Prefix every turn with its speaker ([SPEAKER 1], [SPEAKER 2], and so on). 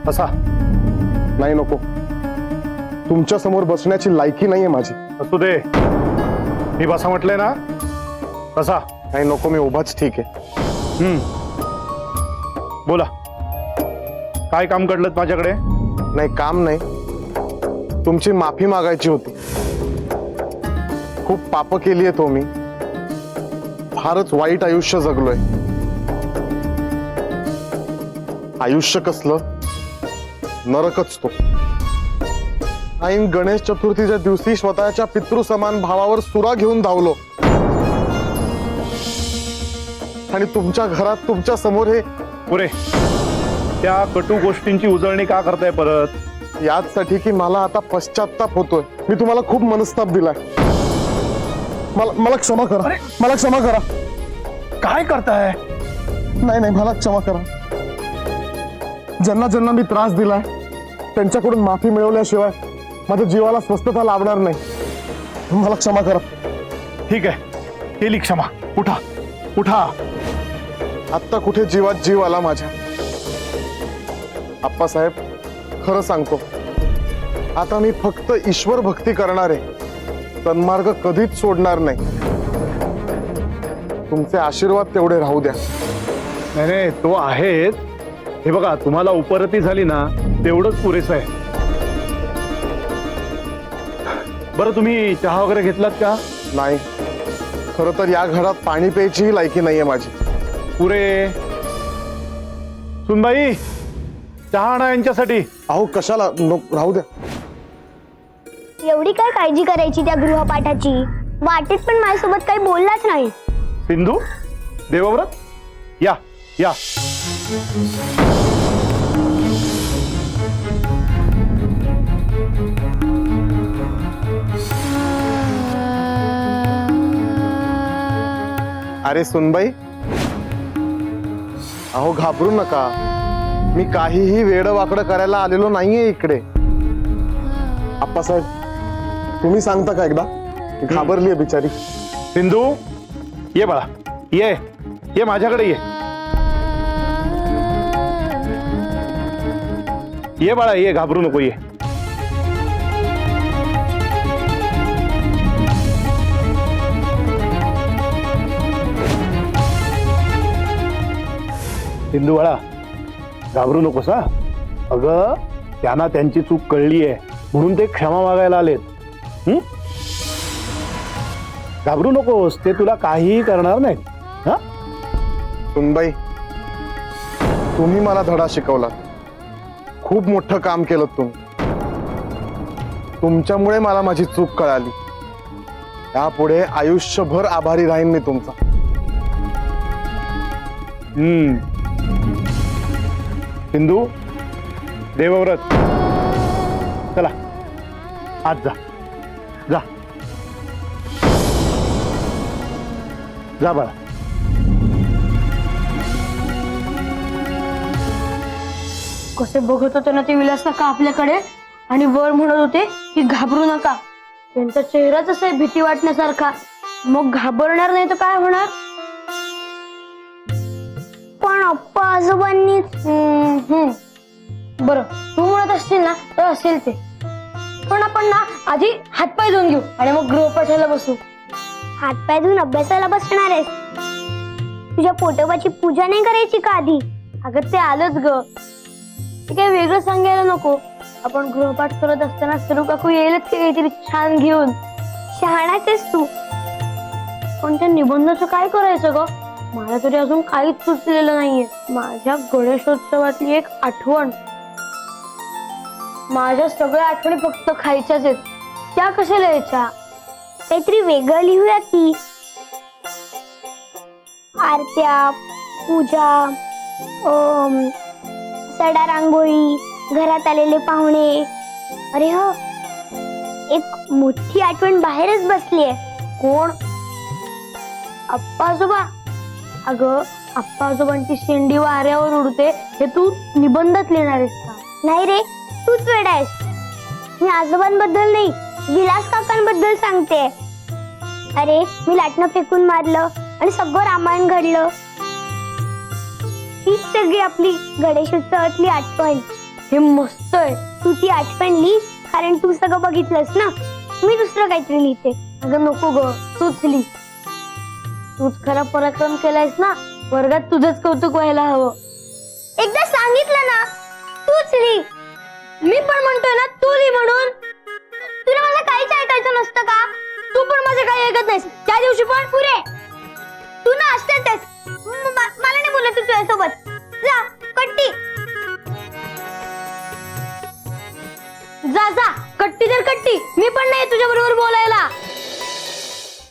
[SPEAKER 1] बसा.
[SPEAKER 2] नाही नको, तुमच्या समोर बसण्याची लायकी नाहीये माझी.
[SPEAKER 1] असू दे, मी बसा म्हटलंय ना, बसा.
[SPEAKER 2] नाही नको, मी उभाच ठीक आहे.
[SPEAKER 1] बोला, काय काम घडलं माझ्याकडे?
[SPEAKER 2] नाही काम नाही, तुमची माफी मागायची होती. खूप पाप केली आहे तो मी, फारच वाईट आयुष्य जगलोय. आयुष्य कसलं नरकच तो. ऐन गणेश चतुर्थीच्या दिवशी स्वतःच्या पितृसमान भावावर सुरा घेऊन धावलो आणि तुमच्या घरात तुमच्या समोर हे
[SPEAKER 1] पुरे. त्या कटू गोष्टींची उजळणी का करताय परत?
[SPEAKER 2] याचसाठी की मला आता पश्चाताप होतोय. मी तुम्हाला खूप मनस्ताप दिलाय. मला क्षमा करा. मला क्षमा करा.
[SPEAKER 1] काय करताय?
[SPEAKER 2] नाही नाही, मला क्षमा करा. ज्यांना ज्यांना मी त्रास दिलाय त्यांच्याकडून माफी मिळवल्याशिवाय माझ्या जीवाला स्वस्थता लाभणार नाही. मला क्षमा करा.
[SPEAKER 1] ठीक आहे, केली क्षमा. उठा उठा.
[SPEAKER 2] आत्ता कुठे जीवात जीव आला माझ्या. आप्पासाहेब, खरं सांगतो, आता मी फक्त ईश्वर भक्ती करणार आहे. सन्मार्ग कधीच सोडणार नाही. तुमचे आशीर्वाद तेवढे राहू द्या.
[SPEAKER 1] नाही नाही, तो आहेच. हे बघा, तुम्हाला उपरती झाली ना, तेवढंच पुरेसं आहे. बरं, तुम्ही चहा वगैरे घेतलात का?
[SPEAKER 2] नाही, खरं तर या घरात पाणी प्यायचीही लायकी नाहीये माझी.
[SPEAKER 1] पुरे. सुनबाई, चहा आणा यांच्यासाठी.
[SPEAKER 2] अहो कशाला, राहू द्या.
[SPEAKER 3] एवढी काय काळजी करायची त्या गृहपाठाची? वाटेत पण माझ्यासोबत काही बोललाच नाही.
[SPEAKER 1] सिंधू, देवव्रत, या या.
[SPEAKER 2] अरे सुनबाई, अहो घाबरू नका. मी काहीही वेडवाकडं करायला आलेलो नाहीये इकडे. आप्पासाहेब, तुम्ही सांगता का एकदा? घाबरलीये बिचारी.
[SPEAKER 1] सिंधू, ये बाळा, ये ये माझ्याकडे ये. ये बाळा, ये, घाबरू नको, ये. सिंधू बाळा, घाबरू नकोस हा. अगं, त्यांना त्यांची चूक कळली आहे म्हणून ते क्षमा मागायला आलेत. घाबरू नकोस, ते तुला काहीही करणार नाही. हा,
[SPEAKER 2] सुनबाई, तुम्ही मला धडा शिकवला. खूप मोठं काम केलं तुम्ही. तुमच्यामुळे मला माझी चूक कळाली. यापुढे आयुष्यभर आभारी राहीन मी तुमचा.
[SPEAKER 1] सिंधू, देवव्रत, चला आज जा. जा जा बाळा.
[SPEAKER 3] कसे बघत होते ना ते विलास काका आपल्याकडे, आणि वर म्हणत होते की घाबरू नका. त्यांचा चेहराच असा आहे भीती वाटण्यासारखा. मग घाबरणार नाही तर काय होणार? पण अप्पा आजोबांनी बरं, तू म्हणत असतील ना तर असेल ते. पण आपण ना आधी हातपाय धुवून घेऊ आणि मग गृहपाठाला बसू. हातपाय धुवून अभ्यासाला बसणार आहेस? तुझ्या पोटोबाची पूजा नाही करायची का आधी? अगं ते आलंच ग, ते काही वेगळं सांगायला नको. आपण गृहपाठ करत असताना सरू काकू येईलच ते काहीतरी छान घेऊन. शहाणाच आहेस तू. पण त्या निबंधाचं काय करायचं ग? मला तरी अजून काहीच सुचलेलं नाहीये. माझ्या गणेशोत्सवातली एक आठवण. माझ्या सगळ्या आठवणी फक्त खायच्याच आहेत. त्या कशा लिहायच्या? काहीतरी वेगळं लिहूया की. आरत्या, पूजा, सडा रांगोळी, घरात आलेले पाहुणे. अरे हो, एक मोठी आठवण बाहेरच बसलीये. कोण? आप्पा आजोबा. अगं, आप्पा आजोबांची शेंडी वाऱ्यावर उडते हे तू निबंधात लिहिणार आहेस का? नाही रे, तूच वेडा आहेस. मी आजोबांबद्दल नाही, विलास काकांबद्दल सांगते. अरे, मी लाटणं फेकून मारलं आणि सगळं रामायण घडलं. हीच सगळी आपली गणेशोत्सवातली आठवण. हे मस्त आहे. तू ती आठवण लिही, कारण तू सगळं बघितलंस ना. मी दुसरं काहीतरी लिहिते. अगं नको ग, तूच लिही. तूच खरा पराक्रम केलायस ना, वर्गात तुझंच कौतुक व्हायला हवं. एकदा सांगितलं ना, तूच लिही. मी पण म्हणतोय ना, तू लिही म्हणून. तुला मला काहीच ऐकायचं नसतं का? तू पण माझं काही ऐकत नाहीस. त्या दिवशी पण पुरे तू ना असतेच. मला नाही बोलत तू तुझ्यासोबत. जा कट्टी, जा जा कट्टी तर कट्टी. मी पण नाही तुझ्या बरोबर बोलायला.